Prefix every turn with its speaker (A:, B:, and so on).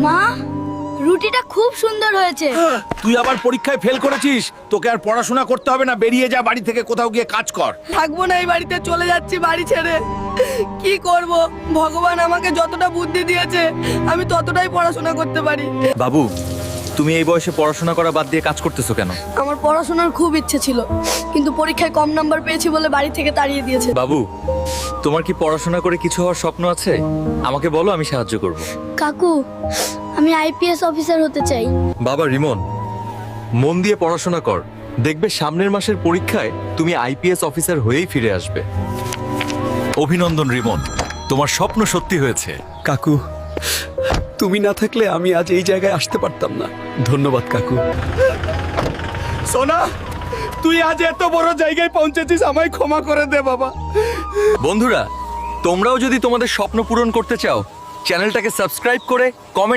A: মা, রুটিটা খুব সুন্দর হয়েছে।
B: তুই আবার পরীক্ষায় ফেল করেছিস, তোকে আর পড়াশোনা করতে হবে না, বেরিয়ে যা বাড়ি থেকে, কোথাও গিয়ে কাজ কর।
C: থাকবো না এই বাড়িতে, চলে যাচ্ছি বাড়ি ছেড়ে। কি করব, ভগবান আমাকে যতটা বুদ্ধি দিয়েছে আমি ততটাই পড়াশোনা করতে পারি।
D: বাবু, তুমি এই বয়সে পড়াশোনা করা বাদ দিয়ে কাজ করতেছো কেন?
C: আমার পড়াশোনার খুব ইচ্ছে ছিল, কিন্তু পরীক্ষায় কম নাম্বার পেয়েছি বলে বাড়ি থেকে তাড়িয়ে দিয়েছে।
D: বাবু, তোমার কি পড়াশোনা করে কিছু হওয়ার স্বপ্ন আছে? আমাকে বলো, আমি সাহায্য করব।
A: কাকু, আমি আইপিএস অফিসার হতে চাই।
D: বাবা রিমন, মন দিয়ে পড়াশোনা কর, দেখবে সামনের মাসের পরীক্ষায় তুমি আইপিএস অফিসার হয়েই ফিরে আসবে।
E: অভিনন্দন রিমন, তোমার স্বপ্ন সত্যি হয়েছে।
F: কাকু, তুমি না থাকলে আমি আজ এই জায়গায় আসতে পারতাম না। ধন্যবাদ কাকু।
B: সোনা, তুই আজ এত বড় জায়গায় পৌঁছেছিস, আমায় ক্ষমা করে দে বাবা।
D: বন্ধুরা, তোমরাও যদি তোমাদের স্বপ্ন পূরণ করতে চাও, চ্যানেলটাকে সাবস্ক্রাইব করে কমেন্ট